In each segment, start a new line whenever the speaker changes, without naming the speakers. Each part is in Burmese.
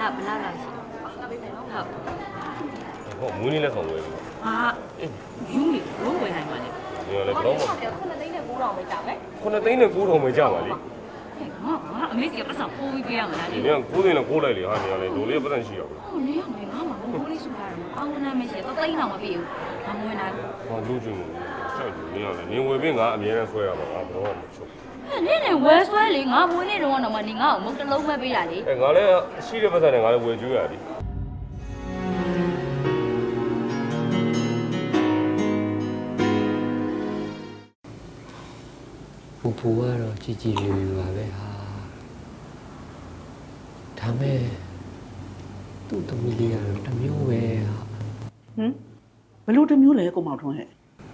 ဘလောက်လောက်ရှိဟုတ်
ဟောမွေးနေ့လက်ဆောင်ဝယ်ပြီ
ဟာယူနေဘလို့ဝယ်နိုင်မှာလဲ
ဒီကလည်းဘလို့မ
9သိန်းနဲ့9,000ပဲကြာမယ်
9သိန်းနဲ့9,000ပဲကြာပါလေ
ငါအမေစီကပတ်စံပိုးပြီးပေးရမှာလားလေ
ဒီက9သိန်းနဲ့9လိုက်လေဟာနေရလေဒိုလေးပတ်စံရှိရဘူး
ဟုတ်လေငါမှဘိုးလေးစုထားတယ်အောင်းနာမရှိတော့သိန်းတော့မပြေဘူးငါမဝင်နိုင်ဘူး
ဟောလူချင်းကိုစိုက်လို့နေရလေနေဝယ်ပြီးငါအမြဲတမ်းဆွဲရမှာငါတော့မချုပ်
နင်းနဲ့ဝဲဆွဲလေငါမွေးနေတော့မှနင်ငါ့ကိုမုတ်တလုံးပဲပေးတာလေ
ငါလည်းရှိတဲ့ပတ်စံနဲ့ငါလည်းဝယ်ကျွေးရသည်
ပူကတော့ကြည်ကြည်ရွရွပါပဲဟာဒါမဲ့သူ့သမီးလေးကတော့တစ်မျိုးပဲဟာ
ဘလို့တစ်မျိုးလဲကိုမောင်ထွန်းဟဲ့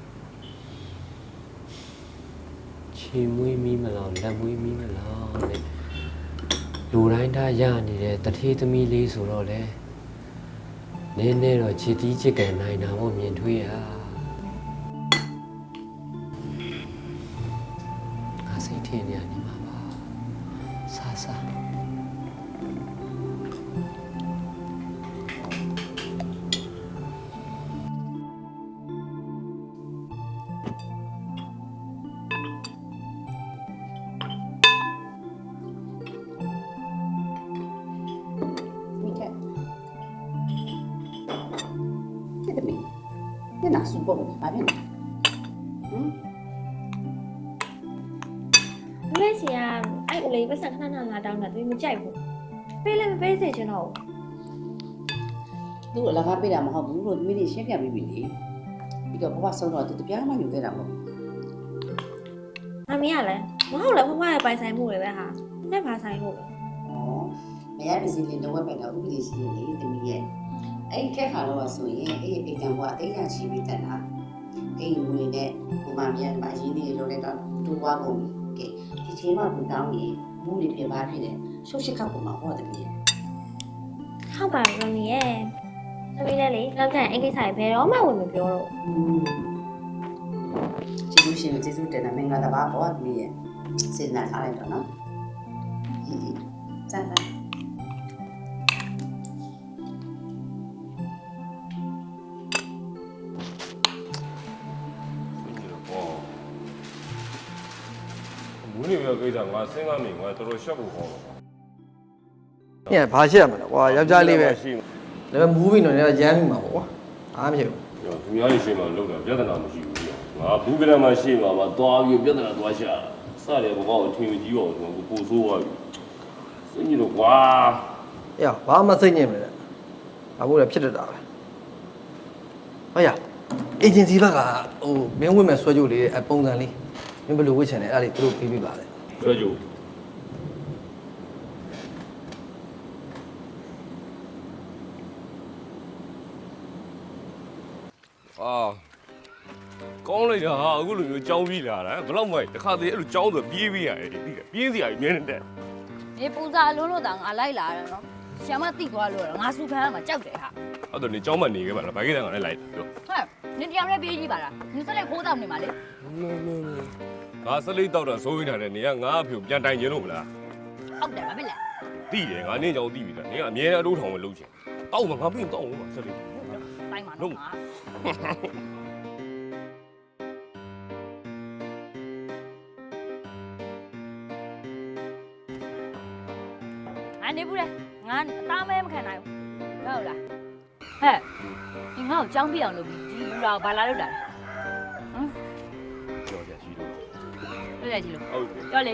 ချီမွေးမီးမလားလက်မွေးမီးမလားတဲ့လူတိုင်းသားရနေတဲ့တထေးသမီးလေးဆိုတော့လေနည်းနည်းတော့ချစ်တီးချစ်ကန်နိုင်တာပေါ့မြင်ထွေးရစိတ်ထင်နေရနေမှာပါဆာဆာ
မိခဲ့တဲ့တမီးညနာစုပုံဘာဖြစ်လဲ
မင်းစီကအဲ့ဦးလေးပတ်စံခဏခဏလာတောင်းတာသူမကြိုက်ဘူးပေးလည်းမပေးစေချင်တော့
သူ့အလကားပေးတာမဟုတ်ဘူးလို့သမီးလေးရှင်းပြပြီးပြီလေပြီးတော့ဘဝဆုံးတော့သူတပြားမှယူခဲ့တာမဟုတ်
ဘူးအမေကလည်းမဟုတ်လည်းဖဖရဲ့ပိုင်ဆိုင်မှုတွေပဲဟာနဲ့ဘာဆိုင်လို့လဲ
မရပါစေလေတော့ပဲတော့ဥပဒေရှိနေလေသမီးရဲ့အဲ့ခက်ခါတော့ဆိုရင်အဲ့အိမ်ကံဘဝအိမ်ကချီပြီးတက်တာအိမ်ဝင်နဲ့ဒီမှာပြန်မှာရင်းနေလို့လည်းတော့တူသွားကုန်ပြီကဲဒီချိန်မှသူတောင်းရင်မှုတွေပြပါဖြစ်တယ်ရှုပ်ရှက်ခတ်ပုံမှာဟောတယ်ပြီ
ဟုတ်ပါဘူးမမီရဲ့သမီးလည်းလေလောက်ကျရင်အဲ့ကိစ္စတွေဘယ်တော့မှဝင်မပြောတော့
ကျေးဇူးရှင်ကျေးဇူးတင်တယ်မင်္ဂလာတပါဘောသမီးရဲ့စေတနာထားလိုက်တော့နော်စမ်းစမ်း
မွေးနေ့ပဲကိစ္စငါစဉ်းစားမိငါတော်တော်ရှက်ဖို့ခေါ်တော့
ညဘာရှက်ရမလဲကွာယောက်ျားလေးပဲဒါပေမဲ့မူးပြီးတော့လည်းရမ်းမိမှာပေါ့ကွာအားမဖြစ်ဘူး
သူများကြီးရှင်းမှလောက်တာပြဿနာမရှိဘူးငါဘူးကရမှာရှင်းမှာပါသွားပြီးပြဿနာသွားရှာစတယ်ဘောကောထင်ကြီးအောင်ဆိုကိုပို့ဆိုးသွားပြီစိတ်ညစ်တော့ကွာ
အေးဘာမှစိတ်ညစ်မလဲဘာလို့လဲဖြစ်တတ်တာပဲဟုတ်ရအေဂျင်စီဘက်ကဟိုမင်းဝင့်မဲ့ဆွဲကြိုးလေးအပုံစံလေးမင်းဘယ်လိုဝှက်ချင်လဲအဲ့ဒါလေးသူတို့ပေးပါလေ
ဆွဲကြိုးကောင်းလိုက်တာဟာအခုလိုမျိုးကြောင်းပြီးလာတာဘယ်တော့မှတခါတည်းအဲ့လိုကြောင်းဆိုပြေးပြီးရတယ်သိတယ်ပြေးစရာကြီးမြဲနေတဲ့
နေပူစာအလုံးလို့တောင်ငါလိုက်လာတယ်နော်ရှာမတိသွားလို့ငါစုဖမ်းမှာကြောက်တယ်ဟာ
အဲ့တော့နေကြောင်းမနေခဲ့ပါလားဘာကိစ္စကလည်းလိုက်ပြော
ဟဲ့နင်တရားနဲ့ပြေးကြည့်ပါလားနင်စက်လိုက်ခိုးတောက်နေမှာလေ
ငါစလိတ်တောက်တာစိုးနေတာနဲ့နေကငါအဖေကိုပြန်တိုင်ကျင်လို့မလား
ဟုတ်တယ်ဘာဖြစ်လဲ
သိတယ်ငါနင်းကြောင်သိပြီလားနင်ကအမြဲတမ်းအတိုးထောင်ပဲလုပ်ချင်တောက်မှာငါပြင်တောက်မှာစလိတ်
တိုင်းမှာတော့ငါနေဘူးလေငါအသားမဲမခံနိုင်ဘူးဟုတ်လားဟဲ့ဒီငါ့ကိုကြောင်းပြအောင်လုပ်ပြီးဒီလူတော်ဘာလာလုပ်တာလဲဟမ်
ပြောကြရှိလို့
ပြောကြရှိလို့
ဟုတ်တယ်
ပြောလေ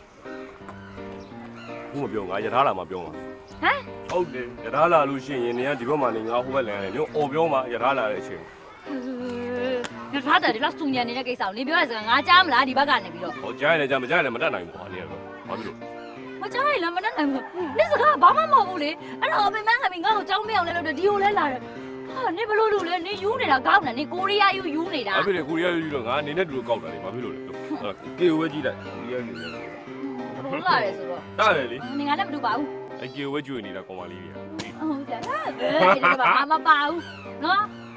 ဘူးမပြောငါရထားလာမှပြောမှာ
ဟမ်
ဟုတ်တယ်ရထားလာလို့ရှိရင်နေကဒီဘက်မှာနေငါဟိုဘက်လန်တယ်ညအော်ပြောမှာရထားလာတဲ့အချိန်
ရထားတယ်ဒီလောက်စုံညံနေတဲ့ကိစ္စကိုနေပြောရစကားငါကြားမလားဒီဘက်ကနေပြီးတော့
ဟောကြားရတယ်ကြားမကြားရတယ်မတတ်နိုင်ဘူးဟာနေရတော့ဘာဖြစ်လို့
မကြားရလားမတတ်နိုင်ဘူးနေစကားဘာမှမဟုတ်ဘူးလေအဲ့တော့အမေမန်းကမင်းငါ့ကိုကြောင်းပြအောင်လဲလို့ဒီကိုလဲလာတယ်ဟာနေဘလို့လို့လဲနေယူနေတာကောက်နေနေကိုရီးယားယူနေတာ
ဘာဖြစ်လဲကိုရီးယားယူတော့ငါနေနဲ့တူလို့ကောက်တာလေဘာဖြစ်လို့လဲကေဝဲကြည့်လိုက်ကိုရီးယားနေတယ်
ဘလို့လာတယ်ဆိုတော့
တားတယ်လေ
နေငါလည်းမတူပါဘူး
အကေဝဲကျွေနေတာကောင်မလေးတွေက
ဟုတ်ကြလားဒီဘာမှမပါဘူးနော်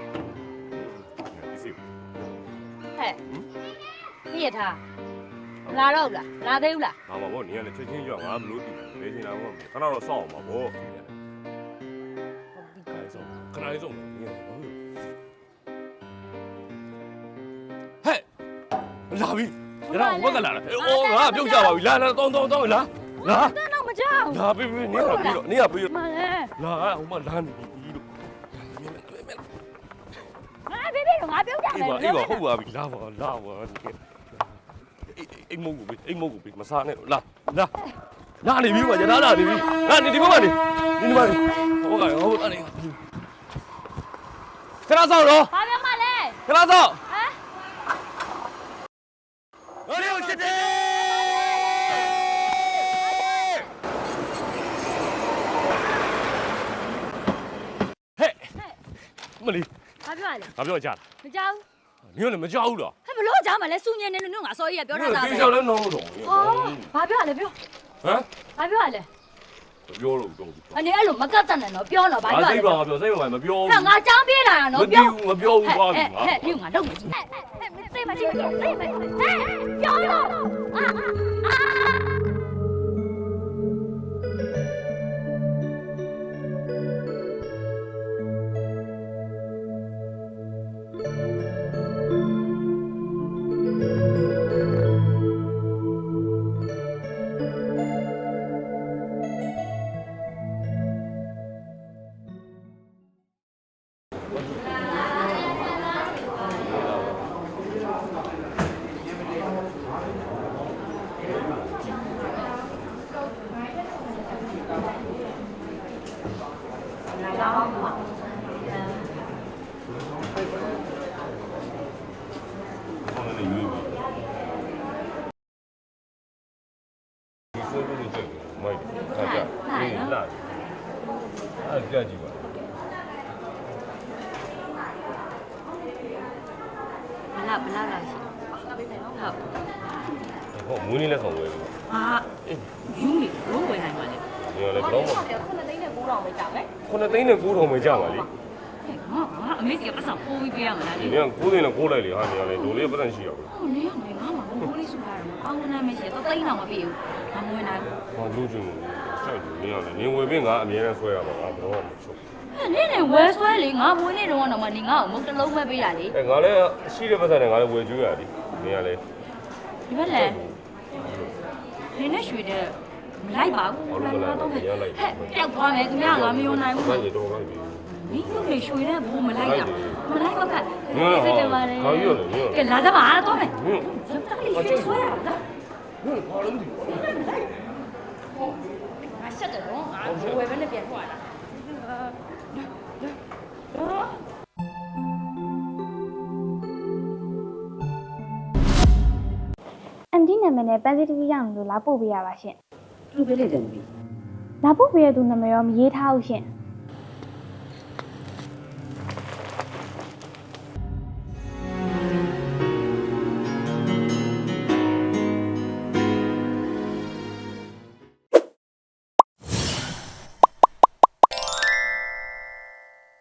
ဟဲ့ပြည့်ထားလာတော့လားလာသေးဘူးလား
ငါမဘောနေရလေချက်ချင်းကြောက်ငါဘလို့တူလဲနေချင်တာဘောခဏတော့စောင့်အောင်ပါဘောခဏလေးဆုံးဟဲ့လာပြီရအောင်ဘက်ကလာအိုးငါပြုတ်ကြပါပြီလာတောင်းလာ
တန်းတော့မကြောက်
လာပြီနေရပြီတော့နေရပြီ
မလဲ
လာဟိုမှာလာနေပြီလို့
ငါဘေးဘေးငါပြုတ်ကြမယ်
အေးပါဟုတ်ပါပြီလာပါအိမ်မုံကိုပြီမစားနဲ့လာနေပြီကွာရလာနေပြီလာနေဒီဘက်ကနေဒီဘက်ကနေဟိုကနေခဏဆောင်တော့
ဘာပြောမှလဲ
ခဏဆောင်
ဟမ်
我六七七。嘿，မလီ
ဘာပြောရလဲ
ငါပြောကြလား
မကြောက်
နင်ကလည်းမကြောက်ဘူးလား
ဟဲ့ဘလို့ကြောက်မလဲစူညင်နေလို့ငါစောကြီးကပြောထားတာပဲ
ဒီကြောက်လည်းနောင်းတော့
ဟောဘာပြောရလဲပြော
ဟမ်
ဘာပြောရလဲ
ပြောလို့တော့
အနေအဲ့လိုမကတ်တတ်နဲ့နော်ပြောတော့ဘာပြောရလဲ
စိတ်ပါငါပြောစိတ်ပါမပြော
ဟဲ့ငါចောင်းပြေးလာတာ
မ
နော်
ပြော
ပြော
ဘူးမပြောဘူးပါပြီ
ဟဲ့ဒီငါတော့မကြည့်ဟဲ့သိမကြည့်သိမပြောတော့အာ
ခေါင်းနဲ့ရွေးပြီဒီဆိုလို့ကြည့်မိုက်ခါကြအေးလာအဲ့ကြကြည့်ပါ
ဘလာလာရှိဟုတ်
ဟောမွေးနေ့လက်ဆောင်ဝယ်လို့
ဟာယူနေလုံးဝယ်နိုင်ပါလေ
ဒီကလည်းဘယ်တော့မှ
9သိန်းနဲ့900ပဲကြောက်ပဲ
9သိန်းနဲ့9ထောင်ပဲကြပါလေ
ငါအမေကပတ်စံပိုးပြီးပြရမှာလား
ဒီ
လေ
က9သိန်းနဲ့9လိုက်လေဟာဒီကလည်းဒိုလေးပတ်စံရှိရဘူး
ဟိုနေရနေငါမှဘိုးလေးစုထားတယ်ပေါင်းနာမရှိတော့သိန်းတော့မပြေဘူးငါမဝင်နိုင်ဘူး
။ဘာလို့ကျင်လို့စိုက်လို့နေရလဲ။နေဝယ်ပြီးငါအမြဲတမ်းဆွဲရမှာငါဘယ်တော့မှမချုပ်
နင်းနေဝဲဆွဲလေငါမွေးနေတော့တော့မှနေငါ့ကိုမုတ်တလုံးပဲပေးတာလေ
။အဲငါလည်းရှိတဲ့ပတ်စံနဲ့ငါလည်းဝယ်ကျွေးရသည်။နေရလဲ
ဒီဘက်လည်းနေနဲ့ရွှေတဲ့မလိုက်ပါဘူးဟဲ့ပျောက်သွားမယ်သူများငါမယုံနိုင်
။
ဘူး
ဘာကြီးတော့ဘာကြီး
မင်းတို့လေရွှေတဲ့ဘူးမလိုက်တာမလိုက်တော့ကဲလာကြပါတော့မယ်
။ဟင်း
ရွှေဆွဲရတာ
ဟင်းဘာလို့ဒီ
ငါဆက်တယ်နော်ငါဝယ်ပဲနဲ့ပြန်ထွက်လာ
အန်တီနာမည်နဲ့ပန်းစည်းတစ်စီးရအောင်လို့လာပို့ပေးရပါရှင်
သူ့ပဲလေတယ်ပြီ
လာပို့ပေးရသူနာမည်ရောမရေးထားဘူးရှင်